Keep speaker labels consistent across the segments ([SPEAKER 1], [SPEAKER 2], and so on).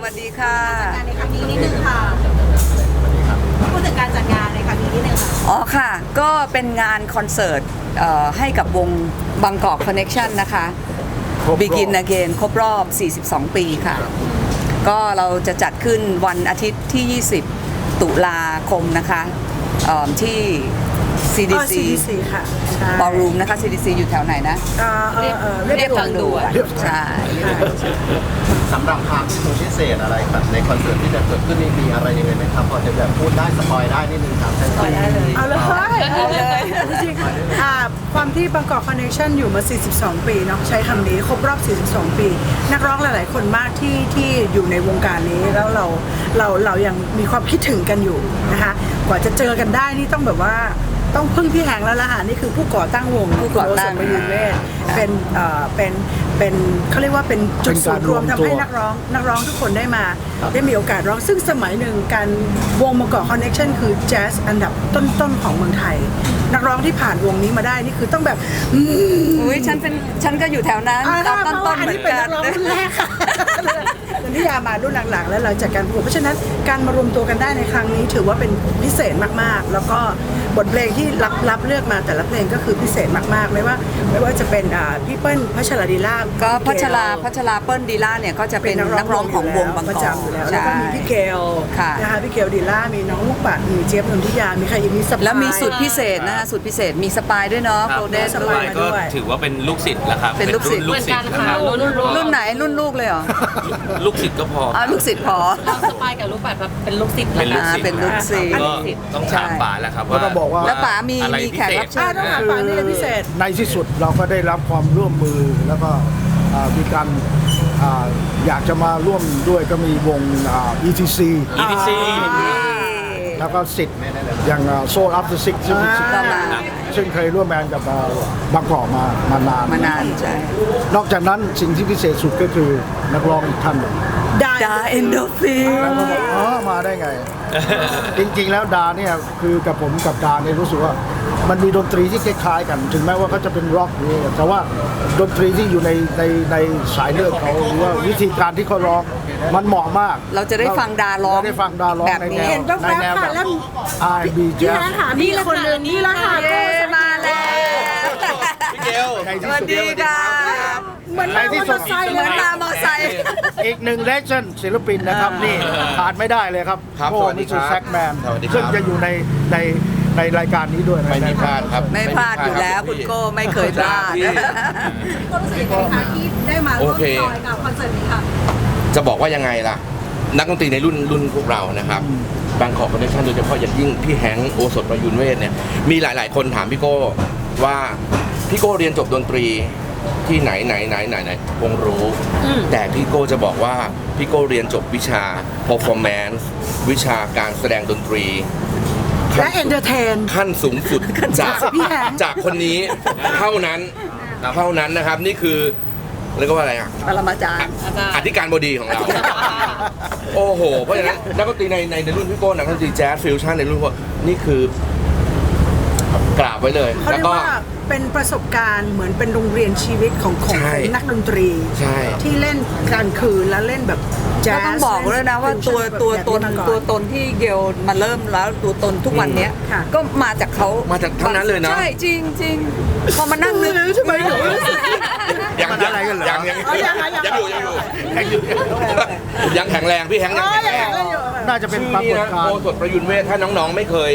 [SPEAKER 1] วัสดีค่ะ
[SPEAKER 2] งานในครั้งนี้นิดนึงค่ะพูดถึงการจัดงานในครั้งนี้นิดนึงค่ะ
[SPEAKER 1] อ๋อค่ะก็เป็นงานคอนเสิร์ตให้กับวงบางกอกคอนเน็กชันนะคะ Begin Again ครบรอบ 42 ปีค่ะก็เราจะจัดขึ้นวันอาทิตย์ที่ 20 ตุลาคมนะคะที่ CDC
[SPEAKER 2] ค่ะ
[SPEAKER 1] บอลรูมนะคะ CDC อยู่แถวไหนนะเรียบทางด่วนใช่
[SPEAKER 3] สำหรับความพิเศษอะไรครับในคอนเสิร์ตที่จะเกิดขึ้นนี่มีอะไรยังไงไหมครับพอจะแบบพูดได้สปอยได้นิดนึงครับสปอยได้เลย
[SPEAKER 2] เอาเลยจริงๆความที่บางกอกคอนเนคชั่นอยู่มา 42 ปีเนาะใช้คำนี้ครบรอบ 42 ปี นักร้องหลายๆคนมากที่อยู่ในวงการนี้แล้วเรายังมีความคิดถึงกันอยู่นะคะกว่าจะเจอกันได้นี่ต้องแบบว่าต้องพึ่งพี่แหงแล้วล่ะค่ะนี่คือผู้ก่อตั้งวง
[SPEAKER 1] ผู้ก่อตั้ง
[SPEAKER 2] ประยุนเวทเป็นเขาเรียกว่าเป็นจุดศูนย์รวมทำให้นักร้องทุกคนได้มีโอกาสร้องซึ่งสมัยหนึ่งการวงบางกอกคอนเนคชั่นคือแจ๊สอันดับต้นๆของเมืองไทยนักร้องที่ผ่านวงนี้มาได้นี่คือต้องแบบ
[SPEAKER 1] อุ้ยฉันก็อยู่แถวนั้นตอนต้นๆเหมือนกัน
[SPEAKER 2] รุ่นแรกค่ะคุณนิยามารุ่นหลังๆแล้วเราจัดการประกวดเพราะฉะนั้นการมารวมตัวกันได้ในครั้งนี้ถือว่าเป็นพิเศษมากๆแล้วก็บทเพลงที่รับเลือกมาแต่ละเพลงก็คือพิเศษมากๆไม่ว่าจะเป็นพี่เปิ้ลพัชรดีลา
[SPEAKER 1] ก็พัชราเปิ้ลดีลาเนี่ยก็จะเป็นนักร้องของวงบางกอก
[SPEAKER 2] แล้วก็มีพี่เกลนะคะพี่เกลดีลามีน้องลูกปัดมีเจี๊ยบนนทิยามีใครอีกมีสปาย
[SPEAKER 1] แล้วมีสุดพิเศษนะคะสุดพิเศษมีสปายด้วยเนาะโปรเดส
[SPEAKER 4] สปายก็ถือว่าเป็นลูกศิษย์แล้วครับ
[SPEAKER 1] เป็นลูกศิษย์
[SPEAKER 4] นะครับ
[SPEAKER 1] รุ่นไหนรุ่นลูกเลยเหรอ
[SPEAKER 4] ลูกศิษย์ก็พอ
[SPEAKER 1] ลูกศิษย์พอ
[SPEAKER 5] เราสปายกับลูกปัดเป็นลูกศิษย์
[SPEAKER 4] เป็นลูกศิษย์
[SPEAKER 1] เป็นลูกศิษย์
[SPEAKER 4] ก็ต้องถามป๋าแล้วครับว่า
[SPEAKER 1] แล้วป๋ามีแขกรับเชิญ
[SPEAKER 2] ป๋ามีอะไรพิเศษ
[SPEAKER 6] ในที่สุดเราก็ได้รับความร่วมมือแล้วก็มีการอยากจะมาร่วมด้วยก็มีวง ETC แล้วก็สิทธิ์อย่างโซลอัพเดอะซิกซึ่งเคยร่วมงานกับบางกอกมานาน
[SPEAKER 1] ใช่
[SPEAKER 6] นอกจากนั้นสิ่งที่พิเศษสุดก็คือนักร้องท่านหนึ่ง
[SPEAKER 1] ดาเอนโดฟิล
[SPEAKER 6] มาได้ไง จริงๆแล้วดาเนี่ยคือกับผมกับดาเนี่ยรู้สึกว่ามันมีดนตรีที่คล้ายๆกันถึงแม้ว่าเขาจะเป็นร็อกนี่แต่ว่าดนตรีที่อยู่ในสายเลือดเขาหรือว่าวิธีการที่เขาร้องมันเหมาะมาก
[SPEAKER 1] เราจะได้ฟังดาร้อง
[SPEAKER 6] แบบนี้
[SPEAKER 2] เห็นแว๊บๆค่ะแล้ว
[SPEAKER 6] R&B
[SPEAKER 2] พี่แหงหามีคนนึงนี่ละค่ะ
[SPEAKER 1] มาแล้ว
[SPEAKER 4] พี่เกล
[SPEAKER 1] สวัสดีค่ะ
[SPEAKER 2] เหมือนมอเตอร์ไซค์เลย
[SPEAKER 1] มามอไซค์
[SPEAKER 6] อีกหนึ่งเลเจนด์ศิลปินนะครับนี่ขาดไม่ได้เลยครับโอ้มิสเตอร์แซกแมนซึ่งจะอยู่ในรายการนี้ด้วย
[SPEAKER 4] ไม่มีพลาดครับ
[SPEAKER 1] ไม่พลาดอยู่แล้วคุณโก้ไม่เคยพลาด
[SPEAKER 2] ก็รู้สึกยังไงคะที่ได้มาร่วมจอยกับคอนเสิร์ตนี้ค่ะ
[SPEAKER 4] จะบอกว่ายังไงล่ะนักดนตรีในรุ่นพวกเรานะครับบางกอกคอนเนคชั่นโดยเฉพาะอย่างยิ่งพี่แฮงค์โอสถประยุนเวทเนี่ยมีหลายๆคนถามพี่โก้ว่าพี่โก้เรียนจบดนตรีที่ไหนคงรู้แต่พี่โก้จะบอกว่าพี่โก้เรียนจบวิชา performance วิชาการแสดงดนตรี
[SPEAKER 2] และเอนเตอร์เทน
[SPEAKER 4] ขั้นสูงสุดจากคนนี้เท่านั้นนะครับนี่คือเรียกว่าอะไรอ่ะ
[SPEAKER 1] ปรมาจารย์
[SPEAKER 4] อธิการบดีของเราโอ้โหเพราะฉะนั้นนักดนตรีในรุ่นพี่โก้นักดนตรีแจ๊สฟิวชั่นในรุ่นพวกนี่คือกราบไว้เลย
[SPEAKER 2] แล้วก็เป็นประสบการณ์เหมือนเป็นโรงเรียนชีวิตของนักดนตรีที่เล่นกลางคืนแล้วเล่นแบบแจ๊ส
[SPEAKER 1] ต้องบอกเลยนะว่าตัวตนที่เกลมาเริ่มแล้วตัวตนทุกวันนี้ก็มาจากเขา
[SPEAKER 4] มาจากเท่านั้นเลยนะ
[SPEAKER 1] ใช่จริงพอมานั่งนึก
[SPEAKER 2] ใช่ไหม
[SPEAKER 4] ยังอะไรกันเหรอยังแข็งแรงพี่แฮงยังแข็งแรง
[SPEAKER 6] น่าจะเป็นปรากฏการณ์
[SPEAKER 4] โอสถประยุนเวทถ้าน้องๆไม่เคย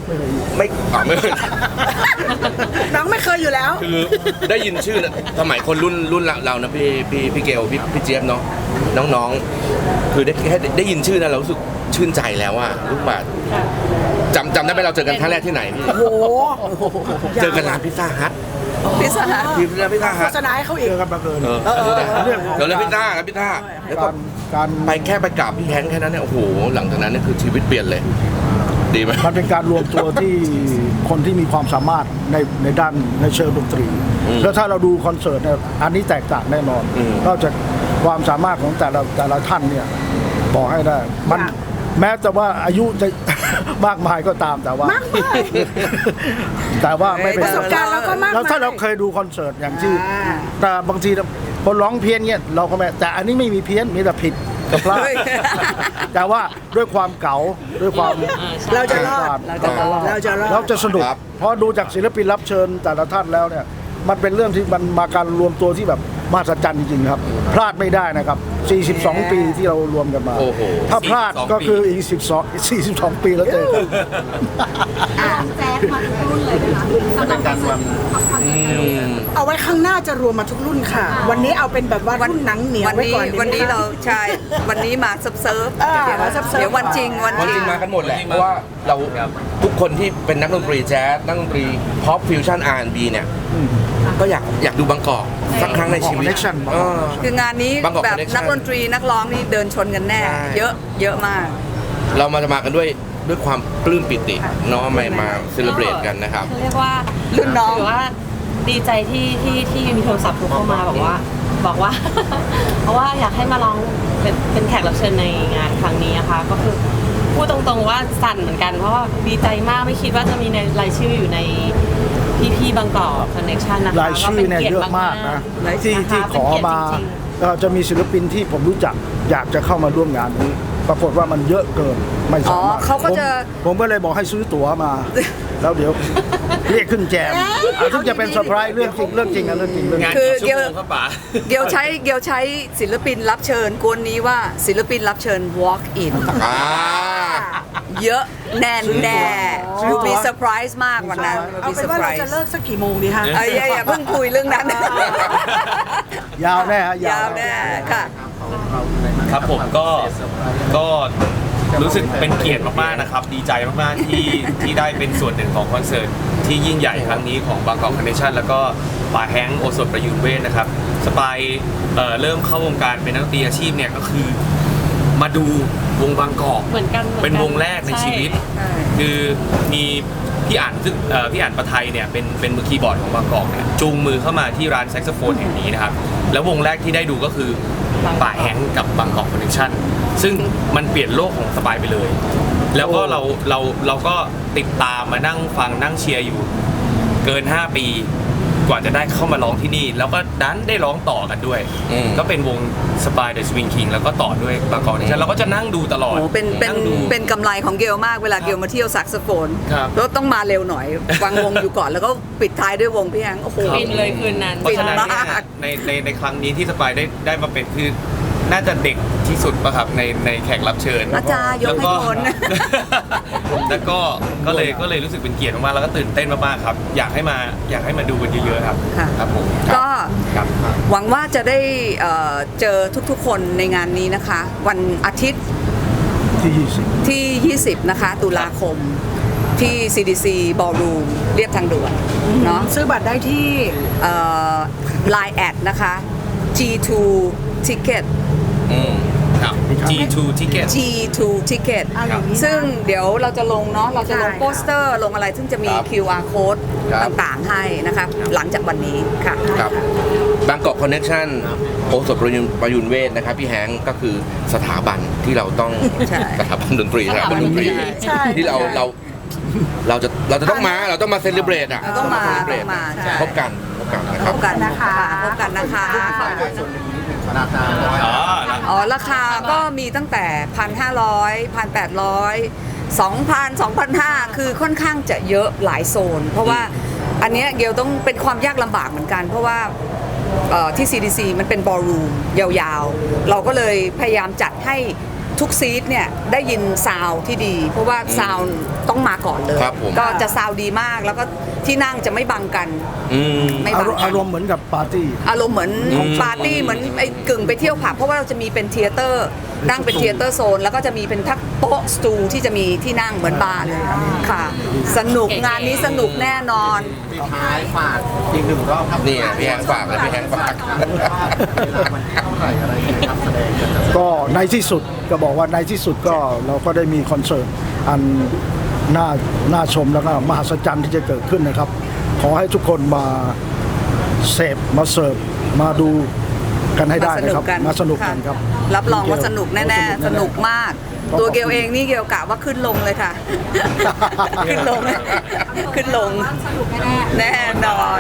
[SPEAKER 2] น้องไม่เคยอยู่แล้ว
[SPEAKER 4] คือได้ยินชื่อสมัยคนรุ่นเรานะพี่เกลพี่เจี๊ยบเนาะน้องๆคือได้ยินชื่อนะเรารู้สึกชื่นใจแล้วว่าลูกบาศจำได้ไหมเราเจอกันครั้งแรกที่ไหนพี่
[SPEAKER 2] โอ้โห
[SPEAKER 4] เจอกันร้านพิซซ่าฮัท
[SPEAKER 2] โฆษณาให้เขาอีก
[SPEAKER 6] กับบังเอิญ
[SPEAKER 4] เดี๋ยวเลยพิซซ่าแล้วก็การไปแค่ไปกราบพี่แฮงค์แค่นั้นเนี่ยโอ้โหหลังจากนั้นเนี่ยคือชีวิตเปลี่ยนเลยดีไหม
[SPEAKER 6] มันเป็นการรวมตัวที่คนที่มีความสามารถในด้านในเชิงดนตรีแล้วถ้าเราดูคอนเสิร์ตเนี่ยอันนี้แตกต่างแน่นอนนอกจากความสามารถของแต่ละท่านเนี่ยบอกให้ได้มันแม้แต่ว่าอายุจะมากมายก็ตามแต่ว่าไม่เป็น
[SPEAKER 2] ประสบการณ์เราก็มาก
[SPEAKER 6] แล้วถ้าเราเคยดูคอนเสิร์ตอย่างที่แต่บางทีคนร้องเพี้ยนเนี่ยเราก็ไม่แต่อันนี้ไม่มีเพี้ยนมีแต่ผิดจะพลาด
[SPEAKER 1] เฮ้ย
[SPEAKER 6] แต่ว่าด้วยความเก๋าด้วยความ
[SPEAKER 2] เราจะรอด
[SPEAKER 1] เราจะรอด
[SPEAKER 6] เราจะสนุก
[SPEAKER 4] ครับ
[SPEAKER 6] เพราะดูจากศิลปินรับเชิญแต่ละท่านแล้วเนี่ยมันเป็นเรื่องที่มันมาการรวมตัวที่แบบมหัศจรรย์จริงๆครับ พลาดไม่ได้นะครับ 42 ปีที่เรารวมกันมา
[SPEAKER 4] โอ้โห
[SPEAKER 6] ถ้าพลาดก็คืออีก42 ปีแล้วเจอกัน
[SPEAKER 7] แจ๊สมาทุกรุ่นเลยนะคะ
[SPEAKER 3] เป็นการรวม
[SPEAKER 2] เอาไว้ข้างหน้าจะรวมมาทุกรุ่นค่ะ วันนี้เอาเป็นแบบว่ารุ่นหนังเหนียว
[SPEAKER 1] วัน
[SPEAKER 2] ไว้
[SPEAKER 1] นี้
[SPEAKER 2] ก่อนดีไหม
[SPEAKER 1] วันนี้
[SPEAKER 2] คะ
[SPEAKER 1] เราใช่วันนี้มาเซิร์ฟ
[SPEAKER 2] อ่า
[SPEAKER 1] เดี๋ยว
[SPEAKER 2] มาเซิร์ฟๆ
[SPEAKER 1] เดี๋ยววันจริงวัน
[SPEAKER 4] วัน
[SPEAKER 1] จ
[SPEAKER 4] จ
[SPEAKER 1] ริ
[SPEAKER 4] ริ
[SPEAKER 1] ง
[SPEAKER 4] งมากันหมดแหละเพราะว่าเราทุกคนที่เป็นนักดนตรีแจ๊สนักดนตรีพ็อปฟิวชั่น R&B เนี่ยก็อยากดูบางกอกสักครั้งในชีวิต
[SPEAKER 6] Connection
[SPEAKER 4] เออ
[SPEAKER 1] คืองานนี้
[SPEAKER 4] บางกอก
[SPEAKER 1] แบบ
[SPEAKER 4] Connection
[SPEAKER 1] นักดนตรีนักร้องนี่เดินชนกันแน่
[SPEAKER 4] ใช่
[SPEAKER 1] เยอะมาก
[SPEAKER 4] เรามากันด้วยความปลื้มปิติเนาะมาเซเลบรตกันนะครับ
[SPEAKER 5] เรียกว่า
[SPEAKER 1] รุ่นน้อง
[SPEAKER 5] ถือว่าดีใจที่มีโทรศัพท์โทรเข้ามาบอกว่า เพราะว่าอยากให้มาลองเป็นแขกรับเชิญในงานครั้งนี้นะคะก็คือพูดตรงๆว่าสั่นเหมือนกันเพราะว่าดีใจมากไม่คิดว่าจะมีในรายชื่ออยู่ในพี่บางกอกคอนเนคชั่นนะคะ
[SPEAKER 6] รายชื่อเนี่ยเยอะมากนะ
[SPEAKER 1] รายชื่อ
[SPEAKER 6] ที่ขอมาจะมีศิลปินที่ผมรู้จักอยากจะเข้ามาร่วมงานนี้ ปรากฏว่ามันเยอะเกินไม่สามารถ
[SPEAKER 1] อ๋อเขาก็จะ
[SPEAKER 6] ผมก็เลยบอกให้ซื้อตั๋วมา แล้วเดี๋ยวเรียกขึ้นแจมทุกจะเป็นเซอร์ไพรส์เรื่องจริงเรื่องจริงเรื่องจริง
[SPEAKER 1] คือเกียวใช้ศิลปินรับเชิญกวนนี้ว่าศิลปินรับเชิญ walk in
[SPEAKER 4] อ่า
[SPEAKER 1] เยอะแน่ยูมีเซอร์ไพรส์มากวันนั้น
[SPEAKER 2] เอา
[SPEAKER 1] มี
[SPEAKER 2] เป็
[SPEAKER 1] เซอน ร์
[SPEAKER 2] ว่า
[SPEAKER 1] ไพร
[SPEAKER 2] เราจะ
[SPEAKER 1] ส์
[SPEAKER 2] เลิกสักกี่โมงดีคะ
[SPEAKER 1] อย่าเพิ่งคุยเรื่องนั้น
[SPEAKER 6] ยาวแน่ฮะ
[SPEAKER 1] ยาวแน่ค่ะ
[SPEAKER 8] ครับผมก็รู้สึกเป็นเกียรติมากๆนะครับ ดีใจมากๆที่ได้เป็นส่วนหนึ่งของคอนเสิร์ตที่ยิ่งใหญ่ครั้งนี้ของบางกอกคอนเนคชั่นแล้วก็ป่าแฮงค์โอสถประยุนเวทนะครับสปายเริ่มเข้าวงการเป็นนักดนตรีอาชีพเนี่ยก็คือมาดูวงบางกอก
[SPEAKER 5] เหมือนกัน
[SPEAKER 8] เป็นวงแรกในชีวิต
[SPEAKER 1] ใช่
[SPEAKER 8] คือมีพี่อ่านซึ่งพี่อ่านประไทยเนี่ยเป็นมือคีย์บอร์ดของบางกอกเนี่ยจูงมือเข้ามาที่ร้านแซกโซโฟนแห่งนี้นะครับแล้ววงแรกที่ได้ดูก็คือป่าแฮงค์กับบางกอกคอนเนคชั่นซึ่งมันเปลี่ยนโลกของสปายไปเลย แล้วก็เราก็ติดตามมานั่งฟังนั่งเชียร์อยู่เกิน 5 ปีกว่าจะได้เข้ามาร้องที่นี่ แล้วก็ดันได้ร้องต่อกันด้วย ก็เป็นวงสปายเดอะสวิงคิงแล้วก็ต่อด้วยบางกอกคอนเนคชั่นเราก็จะนั่งดูตลอด
[SPEAKER 1] โอ้เป็น
[SPEAKER 8] นั่งดู
[SPEAKER 1] กำไรของเกลมากเวลาเกลมาเที่ยวแซกโซโฟน
[SPEAKER 8] ครับ
[SPEAKER 1] แล้วต้องมาเร็วหน่อย วางวงอยู่ก่อนแล้วก็ปิดท้ายด้วยวงพี่แฮงค์โอ้โห
[SPEAKER 5] ฟินเลยคืนนั้น
[SPEAKER 8] เพราะฉะนั้นเนี่ย
[SPEAKER 1] มาก
[SPEAKER 8] ในครั้งนี้ที่สปายได้มาเป็นคือน่าจะเด็กที่สุดป่ะครับในแขกรับเชิญ
[SPEAKER 1] อาจารย์ยกให้คน
[SPEAKER 8] แล้วก็เลยรู้สึกเป็นเกียรติมากๆแล้วก็ตื่นเต้นมากๆครับอยากให้มาดูกันเยอะๆครับ
[SPEAKER 1] ค่ะ
[SPEAKER 8] ครับผม
[SPEAKER 1] ก็
[SPEAKER 8] ครับ
[SPEAKER 1] หวังว่าจะได้เจอทุกๆคนในงานนี้นะคะ วันอาทิตย์
[SPEAKER 6] ที่20
[SPEAKER 1] ที่ 20 นะคะ ตุลาคมที่ CDC Ballroom เรียบทางด่วนเนาะ
[SPEAKER 2] ซื้อบัตรได้ที่
[SPEAKER 1] Line แอดนะคะ G2 Ticket
[SPEAKER 8] ครับ G2 Ticket
[SPEAKER 1] G2 Ticket
[SPEAKER 2] เอาอย่างนี้นะ
[SPEAKER 1] ซึ่งเดี๋ยวเราจะลงเนาะเราจะลง
[SPEAKER 2] ใช่ค่ะ
[SPEAKER 1] โปสเตอร์ลงอะไรซึ่งจะมี
[SPEAKER 4] ครับ
[SPEAKER 1] QR code
[SPEAKER 4] ครับ
[SPEAKER 1] ต่างๆให้นะคะหลังจากวันนี้ค่ะ
[SPEAKER 4] ครับบางกอกคอนเนคชั่นโอสถประยุนเวทนะครับพี่แฮงค์ก็คือสถาบันที่เราต้อง
[SPEAKER 1] ใช่
[SPEAKER 4] สถาบันดนตรีสถาบันดนตรี
[SPEAKER 2] ใช่
[SPEAKER 4] ที่เราจะต้องมาเซเลบรตอ่ะ
[SPEAKER 1] เราต้องมา
[SPEAKER 4] celebrate
[SPEAKER 1] ต้องมาใช่
[SPEAKER 4] พบกันนะค
[SPEAKER 1] พ
[SPEAKER 4] รับบ
[SPEAKER 1] กันนะคะพบกันนะคะ
[SPEAKER 3] ราคา
[SPEAKER 8] อ๋อนะ
[SPEAKER 1] อ๋อราคาก็มีตั้งแต่ 1,500 1,800 2,000 2,500 คือค่อนข้างจะเยอะหลายโซน เพราะว่าอันเนี้ยเกลต้องเป็นความยากลำบากเหมือนกัน เพราะว่าที่ CDC มันเป็นบอลรูมยาวๆ เราก็เลยพยายามจัดให้ทุกซีทเนี่ยได้ยินซาวด์ที่ดี เพราะว่าซาวด์ต้องมาก่อนเลย
[SPEAKER 4] ครับผม
[SPEAKER 1] ก็จะซาวด์ดีมากแล้วก็ที่นั่งจะไม่บังกัน
[SPEAKER 4] อืม
[SPEAKER 1] ไม่บังกัน
[SPEAKER 6] อารมณ์เหมือนกับปาร์ตี้
[SPEAKER 1] อารมณ์เหมือนปาร์ตี้เหมือนไอ้กึ่งไปเที่ยวผับเพราะว่าเราจะมีเป็นเทยเตอร์นั่งเป็นเทยเตอร์โซนแล้วก็จะมีเป็นทักโต๊ะสตูที่จะมีที่นั่งเหมือนบาร์เลยค่ะ สนุกงานนี้สนุกแน่นอน
[SPEAKER 3] ปิดท้ายฝากอีกหนึ่งรอบครับ
[SPEAKER 4] นี่พี่แฮงค์ฝากเลยพี่แฮงค์ฝาก
[SPEAKER 3] เวลามันเท่าไหร่อะไรยังไงครับแสดงกันจะ
[SPEAKER 6] ก็ในที่สุดก็บอกว่าในที่สุดก็เราก็ได้มีคอนเสิร์ตอันน่าชมแล้วก็มหัศจรรย์ที่จะเกิดขึ้นนะครับ ขอให้ทุกคนมาเสพมาเสิร์ฟมาดูกันให้ได้นะครับมาสนุกกันครับ
[SPEAKER 1] รับรองว่าสนุกแน่ๆ สนุกมาก ตัวเกลเองนี่เกลกะว่าขึ้นลงเลยค่ะ ขึ้นลง ขึ้นลง
[SPEAKER 7] สนุกแน่ๆ
[SPEAKER 1] แน่นอน
[SPEAKER 7] ม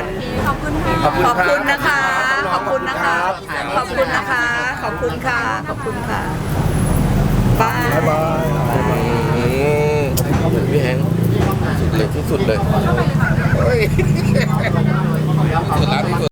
[SPEAKER 7] ขอบคุณค่ะ
[SPEAKER 1] ขอบคุณนะคะ ขอบคุณนะคะ ขอบคุณนะคะ ขอบคุณค่ะ ขอบคุณค่ะบาย
[SPEAKER 6] บ๊ายบาย
[SPEAKER 4] พี่แฮงสุดเลยที่สุดเลยเฮ้ยสุดแล้วที่สุด